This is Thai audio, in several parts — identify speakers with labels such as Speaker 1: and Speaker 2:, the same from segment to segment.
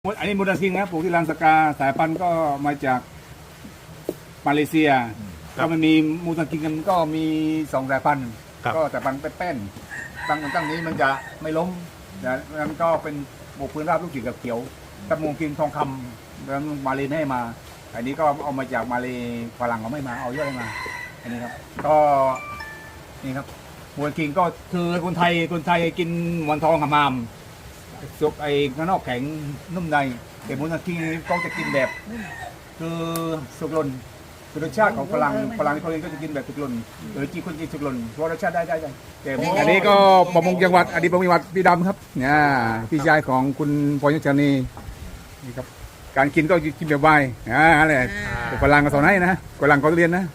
Speaker 1: อันนี้มูดาซิงนะปลูกที่ลานสกาสายพันธุ์ก็มาจากมาเลเซียก็มันมีมูดาซิงกันก็มี2 สายพันธุ์ก็สายพันธุ์แป้นๆตั้งนี้มันจะไม่ล้มนะนั้นก็เป็นปลูกพื้นราบลูกสีเขียวตะมูกินทองคำแล้วมาเลไม่ให้มาอันนี้ก็เอามาจากมาเลฝรั่งเขาไม่มาเอาเยอะเลยมาอันนี้ครับก็นี่ครับมูดาซิงก็คือคนไทยกินหมอนทองหำมามสุกไอ้ข้างนอกแข็งนุ่มในแต่มูนาคิงก็จะกินแบบคือสุกหล่นคือรสชาติของฝรั่งที่เขาเองก็จะกินแบบสุกหล่นหรือจีคนกินสุกหล่นเพราะรสชาติได้แต่อันนี้ก็ประมงจังหวัดพี่ดำครับเนี่ยพี่ชายของคุณพรยชนีนี่ครับการกินก็กินแบบไวอะไรฝรั่งก็สอนให้นะฝรั่งก็เรียนนะ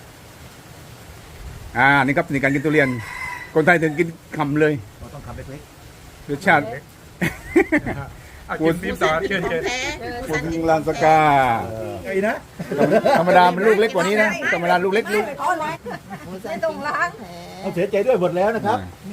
Speaker 1: นี่ครับนี่การกินทุเรียนคนไทยถึงกินคำเลย
Speaker 2: ต้องคำเล็ก
Speaker 1: รสชาติ
Speaker 2: คุณฟิล์มต่อเชิญ
Speaker 1: คุณลานสกา
Speaker 2: ไอ้นะ
Speaker 1: ธรรมดามันลูกเล็กกว่านี้นะธรรมดาลูกเล็กลูก
Speaker 3: ไม่ต้องล้าง
Speaker 2: เอาเสียใจด้วยหมดแล้วนะครับ
Speaker 3: มี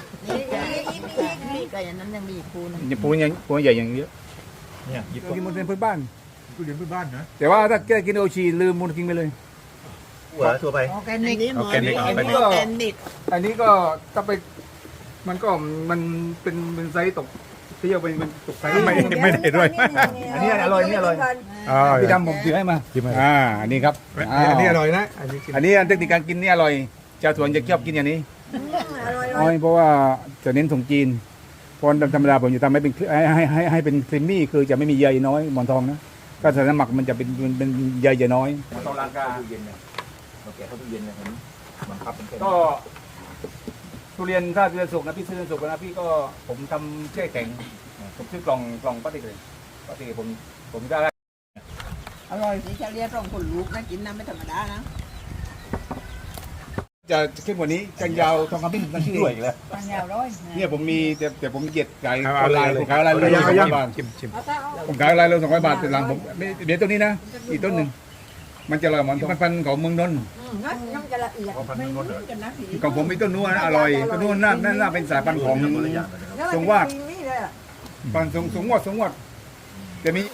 Speaker 3: ก็อย่างนั้นยังมีปูน
Speaker 1: ปูใหญ่อย่างเยอะ
Speaker 2: เนี่ยหยิบ
Speaker 1: กินมูลเรียนพื้นบ้าน
Speaker 2: ทุเรียนพื้นบ้านนะ
Speaker 1: แต่ว่าถ้าแกกินโอชีลืมมูลกินไปเลย
Speaker 2: หัวตัวไป
Speaker 3: ออร์แกนิก
Speaker 1: อันนี้ก็ถ้าไปมันก็มันเป็นไซส์ตกเที่ยวเป็นตกไซส์ไม่ได้ด้วยอันนี้อร่อยพี่ดำผมถือให้มาอันนี้ครับ
Speaker 2: อันนี้อร่อยนะ
Speaker 1: อันนี้เทคนิคการกินนี่อร่อยชาวสวนจะชอบกินอย่างนี้เพราะว่าจะเน้นส่งจีนเพราะธรรมดาผมจะทำให้เป็นให้เป็นครีมมี่คือจะไม่มีใยน้อยหมอนทองนะก็ใส่น้ำหมักมันจะเป็นใยน้อยหมอนทองลานกา
Speaker 2: ตู้เย็นเนี่ยเราแกะเข้าตู้เย็นเนี่ยมันพับเป็น
Speaker 1: ก็ทุเรียนถ้าทุเรียนสุกนะพี่ซื้อสุกนะพี่ก็ผมทำแช่แข็งผมซื้อกล่องพลาสติกเลยพลาสติกผมก็ได้
Speaker 3: อร่อยนี่จะเรียกรองคนลูกนะกินน้ำไม่ธรรมดานะ
Speaker 1: จะเข้มกว่านี้กันยาวทองคำพี่นั่นชื่อด้วยแล้ว
Speaker 3: กันยาวร้อย
Speaker 1: เนี่ยผมมีแต่ผมเกียดขายออนไลน์ผมขายออนไลน์เลย200 บาทผมขายออนไลน์เลย200 บาทเป็นหลังผมเดี๋ยวต้นนี้นะอีกต้นหนึ่งมันจะอร่อยเหมือนพันธุ์ของเมืองนนท์
Speaker 3: น้ำจะละเอียดไม่เหมือนกันนะ
Speaker 1: ของผมมีต้นนู้นอร่อยต้นนู้นน่าเป็นสายพันธุ์ของสงวาดพันธุ์สงวดแต่มี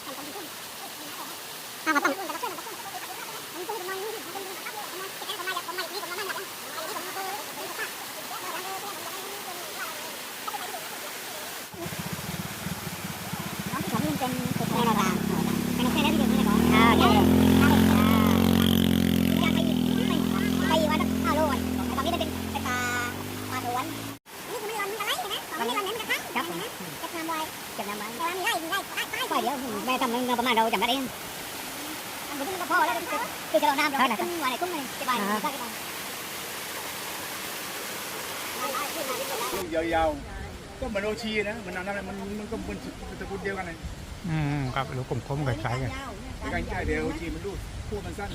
Speaker 4: แม่ทำเงินประมาณเราจำได้เองมันก็พอแล้วคือจะเราน้ำเราขึ้นมาในกุ้งเลยสบาย
Speaker 1: ยาวๆก็เหมือนโอชีนะมันนั่นมันก็เป็นตระกูลเดียวกันเลย
Speaker 2: ครับลูกกลมๆคล้ายๆกัน
Speaker 1: ใช่เดียวโอชีมันลูกคู่มันสั้น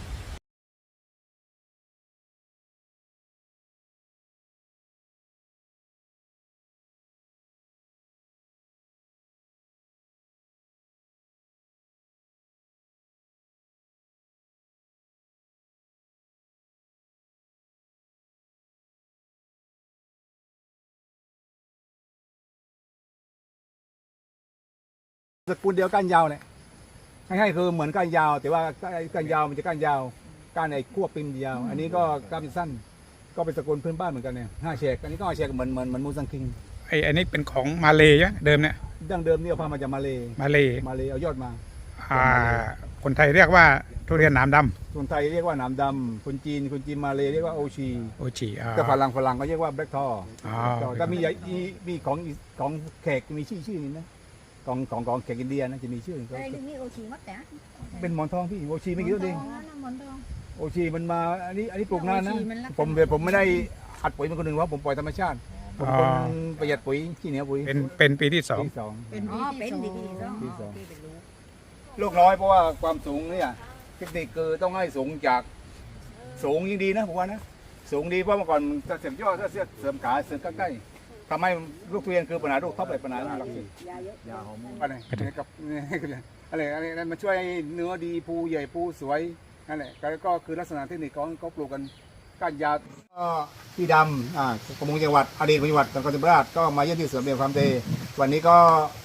Speaker 1: สกุลเดียวก้านยาวเนี่ยให้คือเหมือนก้านยาวแต่ว่าก้านยาวมันจะก้านยาวก้านไอ้ขั้วปิมยาวอันนี้ก็ก้านสั้นก็เป็นสกุลพื้นบ้านเหมือนกันเนี่ย5 แฉกอันนี้ก็5 แฉกเหมือนมูซังคิง
Speaker 2: อันนี้เป็นของมาเลย์เดิมเนี่ย
Speaker 1: ดั้งเดิมนี่เอาพามาจากมาเลเอายอดมา
Speaker 2: คนไทยเรียกว่าทุเรียนหนามด
Speaker 1: ำคนไทยเรียกว่าหนามดำคนจีนมาเลเรียกว่าโอชีแต่ฝรั่งก็เรียกว่าแบล็คทอถ้ามีของแขกมีชื่อนี้นะของแขกอินเดียนะจะมีชื่อเป็นหมอนทองพี่โอชีไม่กี่ตัวเองโอชีมันมาอันนี้ปลูกนานนะผมไม่ได้อัดปุ๋ยมันคนหนึ่งว่าผมปล่อยธรรมชาติผมคนประหยัดปุ๋ยที่เหนียวปุ๋ย
Speaker 2: เป็นปีที่ 2
Speaker 3: เป็นปีที่สอง
Speaker 1: ลูกน้อยเพราะว่าความสูงเนี่ยเทคนิคคือต้องให้สูงจากสูงยิ่งดีนะผมว่านะสูงดีเพราะเมื่อก่อนจะเสริมยอดถ้าเสริมขาเสริมใกล้ทำให้ลูกทุเรียนคือปัญหาลูกท็อปเลยปัญหาหลักยาวอะไรกับอะไรมันช่วยเนื้อดีภูใหญ่ภูสวยนั่นแหละก็คือลักษณะเทคนิคของเขาปลูกกันก้านยาวพี่ดำประมงจังหวัดอดีตจังหวัดจังหวัดก็มาเยี่ยมที่สวนเรียนความเตวันนี้ก็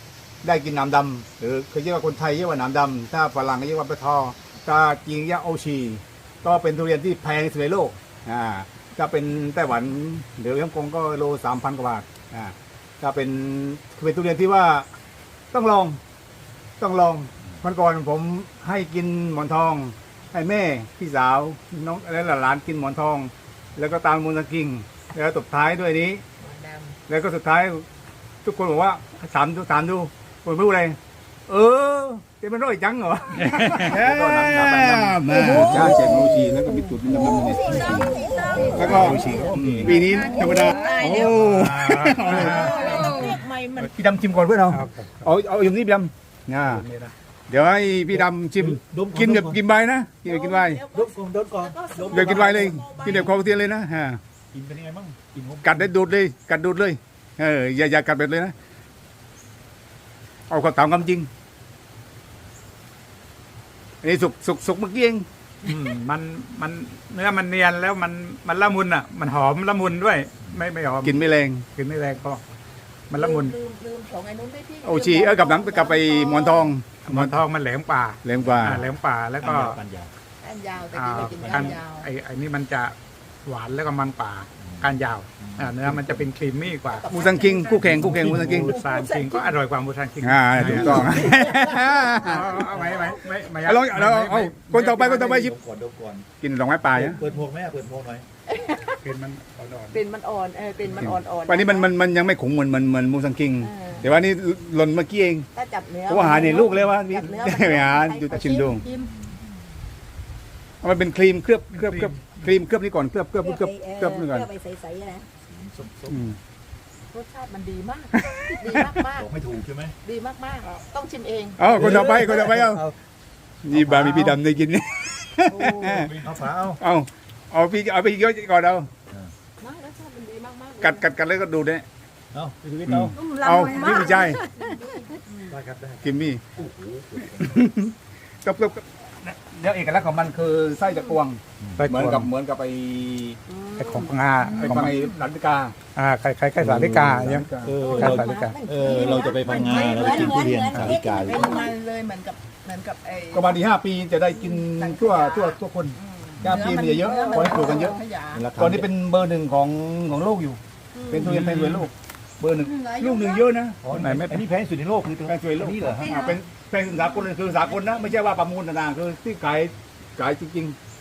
Speaker 1: ได้กินหนามดำหรือเคยเรียกว่าคนไทยเรียกว่าหนามดำถ้าฝรั่งเรียกว่าปะทอถ้าจีนเรียกโอชีก็เป็นทุเรียนที่แพงที่สุดในโลกถ้าเป็นไต้หวันหรือฮ่องกงก็โล 3,000 กว่าบาทถ้าเป็นทุเรียนที่ว่าต้องลองวันก่อนผมให้กินหมอนทองให้แม่พี่สาวน้องและหลานกินหมอนทอง แล้วก็ตามมูลกิ่งแล้วตบท้ายด้วยนี้ แล้วก็สุดท้ายทุกคนบอกว่าถามดูคนไม่รู้อะไรจะเป็นร้อยจังเหรอก็น้ำมาจ้าเจ็ดโมชีแล้วก็มีตุ่นน้ำมันแล้วก็ปีนี้ธรรมดาพี่ดำชิมก่อนเพื่อนเอาอย่างนี้พี่ดำเดี๋ยวให้พี่ดำชิมกินแบบกินใบนะกินใบ
Speaker 2: ดมก่อน
Speaker 1: เดี๋ยวกินใบเลยกินแบบคอเทียนเลยนะ
Speaker 2: กินเป็นยังไงบ้างกิน
Speaker 1: กัดได้ดูดเลยอย่ากัดแบบเลยนะเอาความตามความจริงอันนี้สุกเมื่อกี้เอง
Speaker 5: มันเนื้อมันเนียนแล้วมันละมุนอ่ะมันหอมละมุนด้วยไม่หอม
Speaker 1: กินไม่แรง
Speaker 5: ก็มันละมุน
Speaker 3: ลืมของไอ้นู้นไปพี่
Speaker 1: โอชีกับน้ำกับไปหมอนทอง
Speaker 5: มันแหลมป่า
Speaker 1: แรงกว่า
Speaker 5: แหลมป่าแล้วก็
Speaker 2: กันยาว
Speaker 3: ก้านยาวแต่กี้เรากินก้านยาว
Speaker 5: ไอ้นี่มันจะหวานแล้วก็มันป่าก้านยาวเนื้อมันจะเป็นครีมมี่กว่า
Speaker 1: มูซังคิงคู่แข่งมูซังคิง
Speaker 5: มูซานคิงก็อร่อยกว่ามูซานคิง
Speaker 1: ถูกต้อง
Speaker 5: เอาไม่
Speaker 1: ลองเอาคนต่อไปชิม
Speaker 2: ดมก่อน
Speaker 1: กินดอกไม้ป่าเนี่ย
Speaker 2: เปิดหมวกหน่อย
Speaker 5: เป็นมันอ่อน
Speaker 3: เป็นมันอ่อนเป็นมันอ่อน
Speaker 1: วันนี้มันยังไม่ขมเหมือนมูซังคิงแต่ว่านี่หล่นเมื่อกี้เอง
Speaker 3: ถ้าจับเนื้อ
Speaker 1: เพราะว่าหาในลูกเลยว่าไม่หาดูชิมดูมันเป็นครีมเคลือบนี่ก่อนเคลือบนี่ก่อน
Speaker 3: ไปใสๆนะ
Speaker 2: ส้ม
Speaker 3: รสชาติมันดีมากดีมาก
Speaker 2: บอกไม่ถูกใช่ไหม
Speaker 3: ดีมากต้องชิมเอง
Speaker 1: คนต่อไปนี่บามีพี่ดำได้กิน
Speaker 2: เอาฝา
Speaker 1: เอาพี่เยอะก่อนเอา
Speaker 3: รสชาติมันดีมาก
Speaker 1: กัดแล้วก็ดูเนี่ย
Speaker 2: เอาไปดูเตา
Speaker 1: เอาพี่ไม่ใช่
Speaker 2: ได้ครับได้
Speaker 1: กิมมี่กับเดี๋ยวเอกลักษณ์ของมันคือไส้ตะกวง
Speaker 5: ๆ
Speaker 1: เหมือนกับไป
Speaker 5: ไอ้ของงา
Speaker 1: ไปหลันกา
Speaker 5: คล้ายๆสาลิกาเนี่ย
Speaker 2: เราจะไปพังงาเราไปกินทุเรียนสาลิกา
Speaker 3: เป็นมันเลยเหมือนกับไอ้
Speaker 1: ประมาณ5 ปีจะได้กินทั่วคน5 ปีมันจะเยอะขอให้ปลูกกันเยอะตอนนี้เป็นเบอร์ 1ของโลกอยู่เป็นทุเรียนแพงสุดในโลกเบอร์ 1ลูก 1เยอะนะ
Speaker 5: ไหนไม่
Speaker 2: อันนี้แพงสุดในโลกคือ
Speaker 1: แพงสุดในโลกนี่เหรอเป็นแพงสากลเลยคือสากลนะไม่ใช่ว่าประมูลต่างๆคือที่ขายจริงๆ